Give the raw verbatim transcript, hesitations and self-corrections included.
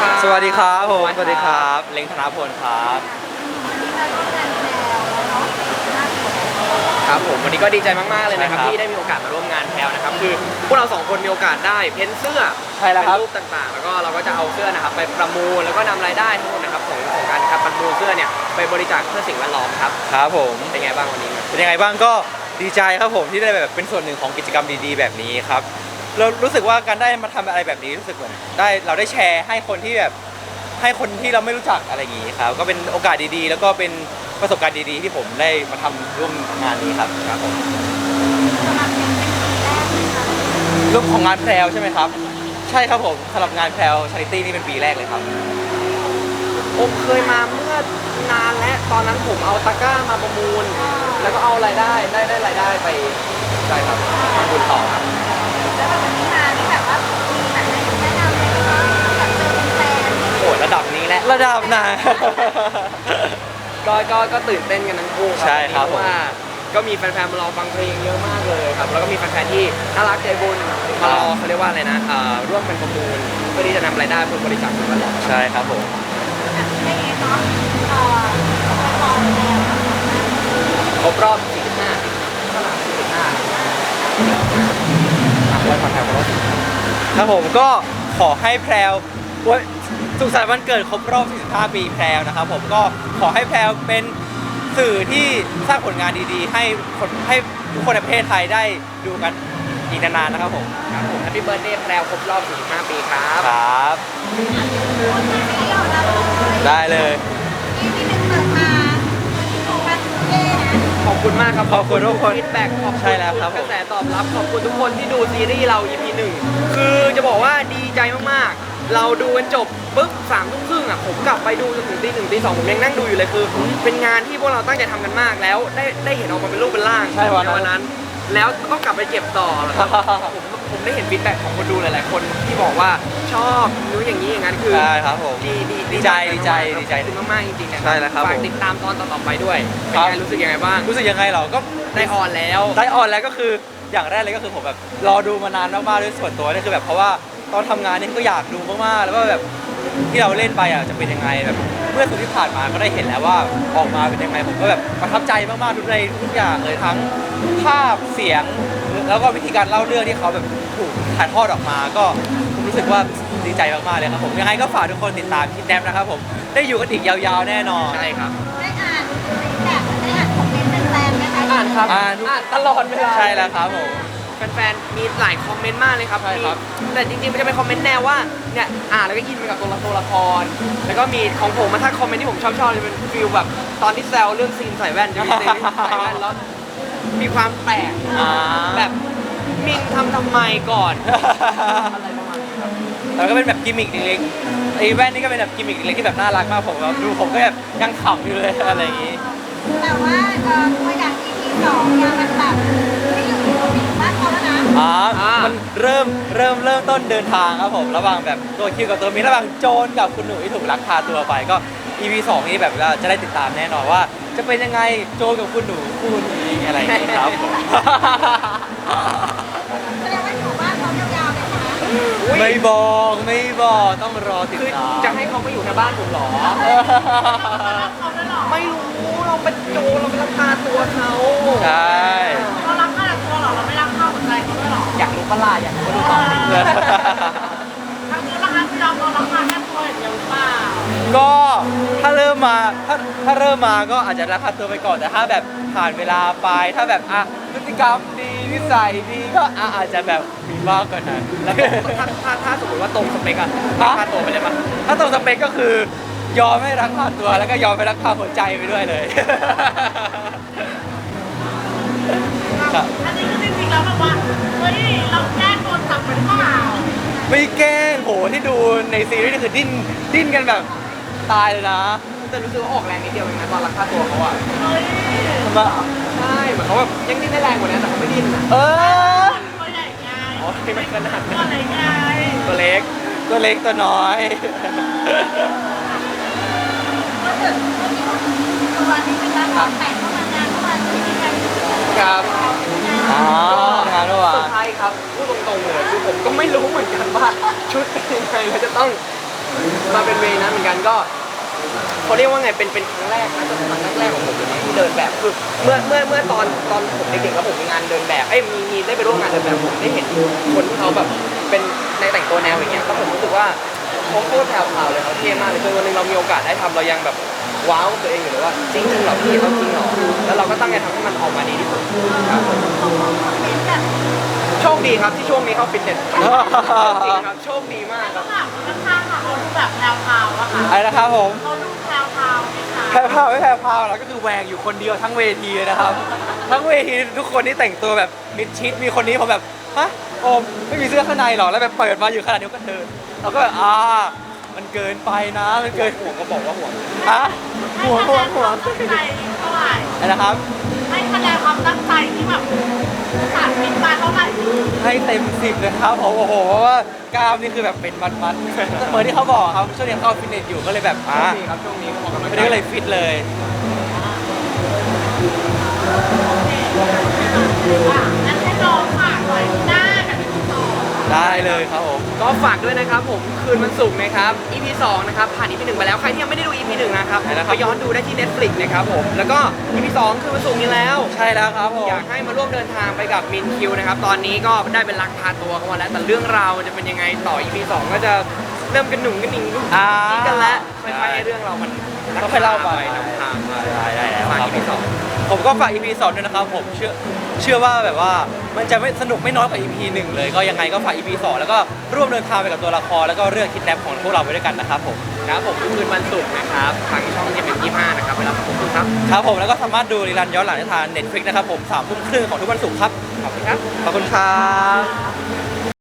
ครับสวัสดีครับผมสวัสดีครับเล้งธนพลครับครับผมวันนี้ก็ดีใจมากๆเลยนะครับใช่ครับที่ได้มีโอกาสมาร่วมงานแพลวนะครับคือพวกเราสองคนมีโอกาสได้เพ้นเสื้อใช่แล้วครับเป็นรูปต่างๆ แล้วก็เราก็จะเอาเสื้อนะครับไปประมูลแล้วก็นำรายได้ทั้งหมดนะครับของของการครับประมูลเสื้อเนี่ยไปบริจาคเพื่อสิ่งแวดล้อมครับครับผมเป็นไงบ้างวันนี้เป็นยังไงบ้างก็ดีใจครับผมที่ได้แบบเป็นส่วนหนึ่งของกิจกรรมดีๆแบบนี้ครับเรารู้สึกว่าการได้มาทำอะไรแบบนี้รู้สึกเหมือนได้เราได้แชร์ให้คนที่แบบให้คนที่เราไม่รู้จักอะไรอย่างนี้ครับก็เป็นโอกาสดีๆ แล้วก็เป็นประสบการณ์ดีๆ ที่ผมได้มาทำร่วมงานนี้ครับครับผมรูปของงานแพรวใช่ไหมครับใช่ครับผมสำหรับงานแพรวชาริตี้นี่เป็นปีแรกเลยครับผมเคยมาเมื่อนานแล้วตอนนั้นผมเอาตะกร้ามาประมูล แล้วก็เอารายได้ได้ได้รายได้ไปใช่ครับทำบุญต่อครับแล้วแบบวันนี้มานี่แบบว่ามีแบบไหนแนะนำไหมคะแบบเจอเป็นแฟนโหระดับนี้แหละระดับไหนก็ก็ก็ตื่นเต้นกันทั้งคู่ครับใช่ครับเพราะว่าก็มีแฟนๆมารอฟังเพลงเยอะมากเลยครับแล้วก็มีแฟนๆที่น่ารักใจบุญมารอเขาเรียกว่าอะไรนะเอ่อร่วมกันประมูลเพื่อที่จะนำรายได้เพื่อบริจาคสิ่งแวดล้อมใช่ครับผมแบบไม่เองเนาะเอ่อไปมองแล้วครบรอบสี่สิบห้าสี่สิบห้าอ่ะวันผ่อนแถวครบครับผมก็ขอให้แพรวโอ๊ยสุขสันต์วันเกิดครบรอบ สี่สิบห้า ปีแพรวนะครับผมก็ขอให้แพรวเป็นสื่อที่สร้างผลงานดีๆ ให้คนให้ทุกคนในประเทศไทยได้ดูกันอีกนานๆนะครับผมครับผมแฮปปี้เบิร์ดเดย์แพรวครบรอบสี่สิบห้าปีครับครับไม่ยอมรับเลยได้เลยที่ที่หนึ่งเปิดมาถูกกันเย่นะขอบคุณมากครับขอบคุณทุกคนฟีดแบ็กขอบคุณใช่แล้วครับผมกระแสตอบรับขอบคุณทุกคนที่ดูซีรีส์เรา อี พี หนึ่งคือจะบอกว่าดีใจมากๆ เราดูกันจบปุ๊บสามทุ่มครึ่งอ่ะผมกลับไปดูจนถึงตีหนึ่งตีสองผมยังนั่งดูอยู่เลยคือ เป็นงานที่พวกเราตั้งใจทำกันมากแล้วได้ได้เห็นออกมาเป็นรูปเป็นร่างใช่วันนั้นนนั้น แล้วต้องกลับไปเก็บต่อแล้วก็ผมผมได้เห็นฟีดแบ็กของคนดูหลายๆ คนที่บอกว่าชอบนู้นอย่างนี้อย่างนั้นคือใช่ครับผมดีดีดีใจดีใจดีใจขอบคุณมากๆจริงๆนะใช่แล้วครับฝากผมติดตามตอนต่อๆไปด้วยเป็นครับไงรู้สึกยังไงบ้างรู้สึกยังไงเราก็ได้ออนแล้วได้ออนแล้วก็คืออย่างแรกเลยก็คือผมแบบรอดูมานานมากๆด้วยส่วนตัวนี่คือแบบเพราะว่าตอนทำงานนี่ก็อยากดูมากๆแล้วก็แบบที่เราเล่นไปอ่ะจะเป็นยังไงแบบเมื่อสุดที่ผ่านมาก็ได้เห็นแล้วว่าออกมาเป็นยังไงผมก็แบบประทับใจมากๆทุกในทุกอย่างเลยทั้งภาพเสียง แล้วก็วิธีการเล่าเรื่องที่เขาแบบถูกถ่ายทอดออกมา ก็ผมรู้สึกว่าดีใจมากๆเลยครับผมยังไงก็ฝากทุกคนติดตามคิดแนมนะครับผมได้อยู่กันอีกยาวๆแน่นอนใช่ครับได้อ่านแบบได้อ่านคอมเมนต์เป็นแฟนไหมคะอ่านครับอ่านอ่านตลอดเวลาใช่แล้วครับผมแฟนๆ มีหลายคอมเมนต์มากเลยครับใช่ครับมีแต่จริงๆ มันจะเป็นคอมเมนต์แนวว่า เนี่ย อ่านแล้วก็อินไปกับตัวละตัวละคร แล้วก็มีของผมมาถ้าคอมเมนต์ที่ผมชอบชอบจะเป็นฟิลแบบตอนที่แซวเรื่องซีนใส่แว่นจะมีซีนใส่แว่นแล้วมีความแปลกอ่าแบบมินทำทำไมก่อน อะไรประมาณนี้ครับแล้วก็เป็นแบบกิมมิคเล็กๆไอ้แว่นนี่ก็เป็นแบบกิมมิคเล็กๆที่แบบน่ารักมากผมแบบดูผมก็แบบยังขำอยู่เลยอะไรอย่างงี้แต่ว่าเอ่อตัวอย่าง อี พี สองเนี่ยมันแบบไม่อยู่ในบ้านเขาแล้วนะอ๋ออ่ามัมันเริ่มเริ่มเริ่มต้นเดินทางครับผมระหว่างแบบตัวคิวกับตัวมินระหว่างโจรกับคุณหนูที่ถูกลักพาตัวไปก็ อี พี สองนี้แบบว่าจะได้ติดตามแน่นอนว่า จะเป็นยังไงโจรกับคุณหนูคู่นี้อะไรอย่างงี้ครับผมแสดงว่าอยู่บ้านเขายาวๆเลยนะอุ๊ยไม่บอกไม่บอกต้องรอติดคือตามจะให้เขามาอยู่ในบ้านผมเหรอเขาด้วยเหรอไม่รู้ เราเป็นโจรเราเป็นลักพาตัวเขาใช่เรารักข้าตัวเหรอ เราไม่รักข้าหัวใจเขาด้วยเหรออยากรู้ปะล่ะอยากรู้ก็ดูต่อสิทั้งตัวรักข้าที่เราเรารักข้าแค่ตัวอย่างเดียวหรือเปล่าก็ถ้าเริ่มมาถ้าถ้าเริ่มมาก็อาจจะรักพาตัวไปก่อนแต่ถ้าแบบผ่านเวลาไปถ้าแบบอ่ะพฤติกรรมดีนิสัยดีก็อ่ะอาจจะแบบมีมากกว่านั้นแล้วถ้าถ้าถ้าสมมติว่าตรงสเปกอะลักพาตัวไปเลยปะถ้าตรงสเปคก็คือยอมให้รักพาตัวแล้วก็ยอมให้รักพาหัวใจไปด้วยเลย ครับอันนี้คือจริงๆแล้วแบบว่า เฮ้ย เราแกล้งโดนจับหรือเปล่าไม่แกล้งโหที่ดูในซีรีส์นี่คือดิ้นดิ้นกันแบบตายเลยนะแต่รู้สึกว่าออกแรงนิดเดียวเองนะตอนลักพาตัวเขาอะเฮ้ยมาใช่เหมือนเขาแบบยังดิ้นได้แรงกว่านี้แต่เขาไม่ดิ้นอะเออตัวใหญ่ไงอ๋อไม่ขนาดตัวนั้นไหนไงตัวเล็กตัวเล็กตัวน้อยก็เกิดตัวนี้เป็นการวางแผนเข้ามางานเข้ามาที่นี่กันครับอ๋องานเมื่อวาเซอน ร์ไพรส์ครับพูดตรงๆเลยคือผมก็ไม่รู้เหมือนกันว่าชุดเป็นยังไงแล้วจะต้องมาเป็นเวย์นั้นเหมือนกันก็เขาเรียกว่าไงเป็นเป็นครั้งแรกนะจะเป็นครั้งแรกๆของผมเลยนะที่เดินแบบคือเมื่อเมื่อเมื่อตอนตอนผมเด็กๆแล้วผมมีงานเดินแบบเอ้ยมีมีได้ไปร่วมงานเดินแบบผมได้เห็นคนที่เขาแบบเป็นในแต่งตัวแนวอย่างเงี้ยแล้วผมรู้สึกว่าเขาโคตรแถวๆเลยเขาเท่มากเลยจนวันหนึงเรามีโอกาสได้ทำเรายังแบบว้าวตัวเองอยู่เลยว่าจริงจริงเหรอพี่เขาจริงเหรอแล้วเราก็ตั้งใจทำให้มันออกมาดีที่สุดครับผมเห็นแบบโชคดีครับที่ช่วงนี้เข้าฟิตเนสจริงครับโชคดีมากคข้ารับงหลังข้างๆค่ะเขาดูแบบแพรวๆอะค่ะอะไรนะครับผมเขาดูแพรวๆไหมคะแพรวพราวไม่แพรวพราวแล้วก็คือแหวงอยู่คนเดียวทั้งเวทีเลยนะครับ ทั้งเวทีทุกคนที่แต่งตัวแบบมิดชิดมีคนนี้ผมแบบฮะโอมไม่มีเสื้อข้างในหรอแล้วแบบเปิดมาอยู่ขนาดนี้ก็เดินเราก็แบบอ่ามันเกินไปนะมันเกินห่วงก็บอกว่าห่วงฮะให้หัวคะหัแนวนคหัววามตั้งใจเท่าไหร่อะไรนะครับให้คะแนนความตั้งใจที่แบบสาดมิดมาเท่าไหร่ให้เต็มสิบเลยครับผมโอ้โหเพราะว่ากล้ามนี่คือแบบเป็นมัดๆเหมือนที่เขาบอกครับช่วงนี้เข้าฟิตเนสอยู่ก็เลยแบบอ่าช่วงนี้ครับช่วงนี้ก็ออกกำลังไม่กายได้เลยฟิตเลยอ่ะงั้นให้น้องฝากหน่อยหน้ากับอีกต่อได้เลยครับผมก็ฝากด้วยนะครับผมคืนวันศุกร์นะครับ อี พี สองนะครับผ่าน อี พี หนึ่งไปแล้วใครที่ยังไม่ได้ดู อี พี หนึ่งนะครับใช่แล้วครับไปย้อนดูได้ที่ Netflix นะครับผมแล้วก็ อี พี สองคืนวันศุกร์นี้แล้วใช่แล้วครับผมอยากให้มาร่วมเดินทางไปกับมินคิวนะครับตอนนี้ก็ได้เป็นลักพาตัวเข้ามาแล้วแต่เรื่องราวจะเป็นยังไงต่อ อี พี สองก็จะเริ่มกันหนุ่งกันหนิงอ่านี่กันแล้วค่อยๆให้เรื่องเรามันก็ค่อยเล่าไปนำทางมาได้ได้แล้วฝากครับอี พี สองผมก็ฝาก อี พี สองด้วยนะครับผมเชื่อเชื่อว่าแบบว่ามันจะไม่สนุกไม่น้อยกว่า อี พี หนึ่งเลยก็ยังไงก็ฝาก อี พี สองแล้วก็ร่วมเดินทางไปกับตัวละครแล้วก็เรื่องคิดแนปของพวกเราไปด้วยกันนะครับผมครับผมคืนวันศุกร์นะครับทางช่องยี่สิบยี่ห้านะครับเวลาผมครับครับผมแล้วก็สามารถดูรีรันย้อนหลังได้ทาง Netflix นะครับผมสามทุ่มครึ่งของทุกวันศุกร์ครับขอบคุณครับขอบคุณครับ